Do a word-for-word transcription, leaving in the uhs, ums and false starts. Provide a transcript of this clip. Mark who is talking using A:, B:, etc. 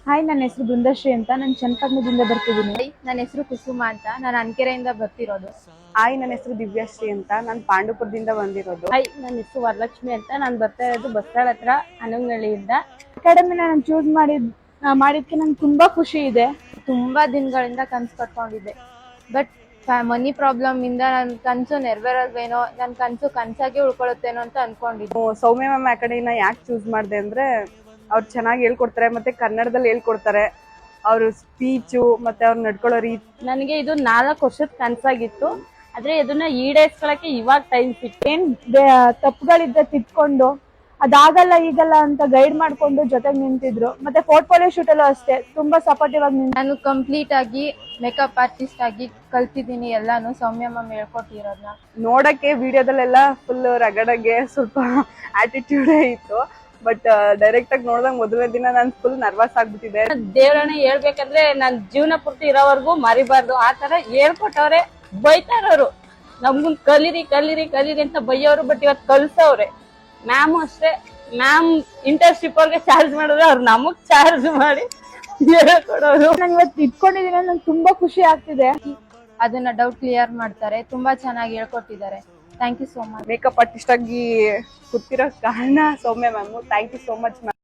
A: Hi, ನನ್ನ ಹೆಸರು ಬೃಂದಶ್ರೀ ಅಂತ. ನಾನು ಚನ್ನಪಟ್ಟಣದಿಂದ ಬರ್ತಿದ್ದೀನಿ.
B: ನನ್ನ ಹೆಸರು ಕುಸುಮ ಅಂತ. ನಾನು ಅನ್ಕೆರೆಯಿಂದ ಬರ್ತಿರೋದು.
C: ಹಾಯ್, ನನ್ನ ಹೆಸರು ದಿವ್ಯಾಶ್ರೀ ಅಂತ. ನಾನು ಪಾಂಡುಪುರದಿಂದ ಬಂದಿರೋದು.
D: ಹಾಯ್, ನನ್ನ ಹೆಸರು ವರಲಕ್ಷ್ಮಿ ಅಂತ. ನಾನು ಬರ್ತಾ ಇರೋದು ಬಸ್ತಾಳ ಹತ್ರ ಹನಗನಹಳ್ಳಿಯಿಂದ.
A: ಅಕಾಡೆಮಿನ ನಾನು ಚೂಸ್ ಮಾಡಿದ್ ಮಾಡಿದ್ಕೆ ನಂಗೆ ತುಂಬಾ ಖುಷಿ ಇದೆ.
B: ತುಂಬಾ ದಿನಗಳಿಂದ ಕನ್ಸು ಕಟ್ಕೊಂಡಿದ್ದೆ, ಬಟ್ ಮನಿ ಪ್ರಾಬ್ಲಮ್ ಇಂದ ನನ್ನ ಕನ್ಸು ನೆರವೇರೋದೇನೋ, ನನ್ನ ಕನ್ಸು ಕನ್ಸಾಗೆ ಉಳ್ಕೊಳ್ಳುತ್ತೇನೋ ಅಂತ ಅನ್ಕೊಂಡಿದ್ದೆ.
C: ಸೌಮ್ಯ ಮ್ಯಾಮ್ ಅಕಾಡೆಮಿನ ಯಾಕೆ ಚೂಸ್ ಮಾಡಿದೆ ಅಂದ್ರೆ ಅವ್ರು ಚೆನ್ನಾಗಿ ಹೇಳ್ಕೊಡ್ತಾರೆ, ಮತ್ತೆ ಕನ್ನಡದಲ್ಲಿ ಹೇಳ್ಕೊಡ್ತಾರೆ. ಅವ್ರ ಸ್ಪೀಚು ಮತ್ತೆ ಅವ್ರು ನಡ್ಕೊಳ್ಳೋ ರೀತಿ.
D: ನನಗೆ ಇದು ನಾಲ್ಕು ವರ್ಷದ ಕನ್ಸಾಗಿತ್ತು, ಆದ್ರೆ ಇದನ್ನ ಈಡೇರಿಸ್ಕೊಳಕ್ಕೆ ಇವಾಗ ಟೈಮ್ ಸಿಕ್ತು.
A: ಏನ್ ತಪ್ಪುಗಳಿದ್ದ ತಿದ್ಕೊಂಡು ಅದಾಗಲ್ಲ ಈಗಲ್ಲ ಅಂತ ಗೈಡ್ ಮಾಡ್ಕೊಂಡು ಜೊತೆಗೆ ನಿಂತಿದ್ರು. ಮತ್ತೆ ಪೋರ್ಟ್ಫೋಲಿಯೋ ಶೂಟ್ ಅಲ್ಲೂ ಅಷ್ಟೇ ತುಂಬಾ ಸಪೋರ್ಟಿವ್ ಆಗಿ ನಿಂತು
B: ನಾನು ಕಂಪ್ಲೀಟ್ ಆಗಿ ಮೇಕಪ್ ಆರ್ಟಿಸ್ಟ್ ಆಗಿ ಕಲ್ತಿದ್ದೀನಿ ಎಲ್ಲಾನು ಸೌಮ್ಯ ಮ್ಯಾಮ್ ಹೇಳ್ಕೊಟ್ಟಿರೋದನ್ನ.
C: ನೋಡಕ್ಕೆ ವಿಡಿಯೋದಲ್ಲೆಲ್ಲ ಫುಲ್ ರಗಡಗೆ ಸ್ವಲ್ಪ ಆಟಿಟ್ಯೂಡೇ ಇತ್ತು, ಬಟ್ ಡೈರೆಕ್ಟ್ ಆಗಿ ನೋಡಿದಾಗ ಮೊದಲನೇ ದಿನ ನಾನು ಫುಲ್ ನರ್ವಸ್ ಆಗ್ಬಿಟ್ಟಿದೆ.
D: ದೇವ್ರನ್ನ ಹೇಳ್ಬೇಕಂದ್ರೆ ನನ್ ಜೀವನ ಪೂರ್ತಿ ಇರೋವರೆಗೂ ಮರಿಬಾರ್ದು ಆ ತರ ಹೇಳ್ಕೊಟ್ಟವ್ರೆ. ಬೈತಾರವ್ರು ನಮ್ಗೂ ಕಲೀರಿ ಕಲೀರಿ ಕಲೀರಿ ಅಂತ ಬೈಯೋರು, ಬಟ್ ಇವತ್ತು ಕಲ್ಸವ್ರೆ. ಮ್ಯಾಮು ಅಷ್ಟೇ, ಮ್ಯಾಮ್ ಇಂಟರ್ನ್ಶಿಪ್ ಅವ್ರಿಗೆ ಚಾರ್ಜ್ ಮಾಡಿದ್ರೆ ಅವ್ರು ನಮಗ್ ಚಾರ್ಜ್ ಮಾಡಿ ಹೇಳ್ಕೊಡೋರು.
A: ನಾನು ಇವತ್ತು ಇಟ್ಕೊಂಡಿದ್ದೀನಿ, ನಂಗೆ ತುಂಬಾ ಖುಷಿ ಆಗ್ತಿದೆ.
B: ಅದನ್ನ ಡೌಟ್ ಕ್ಲಿಯರ್ ಮಾಡ್ತಾರೆ, ತುಂಬಾ ಚೆನ್ನಾಗಿ ಹೇಳ್ಕೊಟ್ಟಿದ್ದಾರೆ. Thank you so much.
C: Makeup artist ಆಗಿ ಕೂತಿರೋ ಕಾರಣ Soumya ma'am. Thank you so much ma'am.